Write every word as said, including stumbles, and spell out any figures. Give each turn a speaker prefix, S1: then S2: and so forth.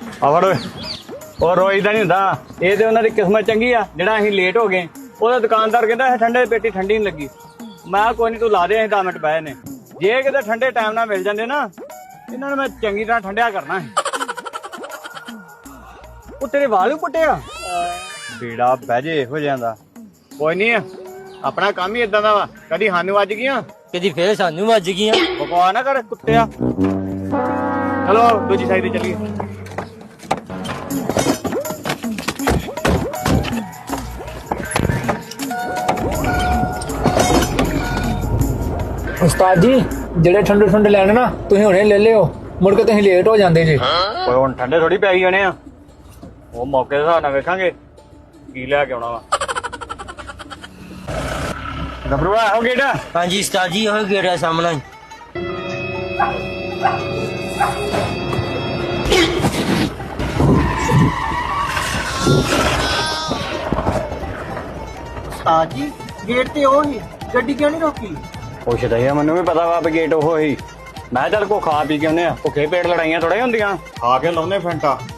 S1: ਆਵੜ ਓਏ ਉਹ ਰੋਈਦਾ ਨਹੀਂ ਹੁੰਦਾ। ਇਹ ਤੇ ਉਹਨਾਂ ਦੀ ਕਿਸਮਤ ਚੰਗੀ ਆ ਜਿਹੜਾ ਅਸੀਂ ਲੇਟ ਹੋ ਗਏ। ਉਹਦਾ ਦੁਕਾਨਦਾਰ ਕਹਿੰਦਾ ਇਹ ਠੰਡੇ ਦੀ ਪੇਟੀ ਠੰਡੀ ਨਹੀਂ ਲੱਗੀ। ਮੈਂ ਕੋਈ ਨਹੀਂ ਤੂੰ ਲਾ ਦੇ, ਅਸੀਂ ਦਸ ਮਿੰਟ ਬਹਿ ਨੇ। ਜੇ ਕਿਤੇ ਠੰਡੇ ਟਾਈਮ ਨਾਲ ਮਿਲ ਜਾਂਦੇ ਨਾ ਇਹਨਾਂ ਨੂੰ ਮੈਂ ਚੰਗੀ ਤਰ੍ਹਾਂ ਠੰਡਿਆ ਕਰਨਾ ਸੀ। ਉਹ ਤੇਰੇ ਵਾਲ ਵੀ ਪੁੱਟਿਆ ਬੀੜਾ ਬਹਿ ਜੇ ਇਹੋ ਜਿਹਾ ਦਾ। ਕੋਈ ਨਹੀਂ ਆਪਣਾ ਕੰਮ ਹੀ ਏਦਾਂ ਦਾ ਵਾ, ਕਦੀ ਸਾਨੂੰ ਵੱਜ ਗਈਆਂ
S2: ਕਦੀ ਫੇਰ ਸਾਨੂੰ ਵੱਜ ਗਈਆਂ।
S1: ਬਕਵਾ ਨਾ ਕਰ ਕੁੱਤਿਆ। ਚਲੋ ਦੂਜੀ ਸਾਈਡ ਤੇ ਚੱਲੀਏ।
S3: ਉਸਤਾਦ ਜੀ ਜਿਹੜੇ ਠੰਡੇ ਠੰਡੇ ਲੈਣੇ ਨਾ ਤੁਸੀਂ ਹੁਣੇ ਲੈ ਲਿਓ, ਮੁੜ ਕੇ ਤੁਸੀਂ ਲੇਟ ਹੋ ਜਾਂਦੇ ਜੇ।
S1: ਓਏ ਹੁਣ ਠੰਡੇ ਥੋੜੀ ਪੈ ਜਾਣੇ ਆ, ਉਹ ਮੌਕੇ ਦੇ ਹਿਸਾਬ ਨਾਲ ਵੇਖਾਂਗੇ ਕੀ ਲੈ ਕੇ ਆਉਣਾ ਵਾ। ਗੱਭਰੂਆ ਹੋ ਗੇੜਾ।
S2: ਹਾਂਜੀ ਉਸਤਾਦ ਜੀ ਉਹ ਗੇੜਾ ਸਾਹਮਣਾ ਹੀ।
S4: ਉਸਤਾਦ ਜੀ ਗੇਟ ਤੇ ਉਹ ਹੀ ਗੱਡੀ ਕਿਉਂ ਨਹੀਂ ਰੋਕੀ?
S1: ਪੁੱਛਦਾ ਹੀ ਮੈਨੂੰ ਵੀ ਪਤਾ ਵਾ ਵੀ ਗੇਟ ਉਹ ਹੀ। ਮੈਂ ਚੱਲ ਕੋ ਖਾ ਪੀ ਕੇ ਆਉਂਦੇ ਆ, ਭੁੱਖੇ ਪੇਟ ਲੜਾਈਆਂ ਥੋੜਾ ਹੁੰਦੀਆਂ, ਖਾ ਕੇ ਲਾਉਂਦੇ ਫੈਂਟਾ।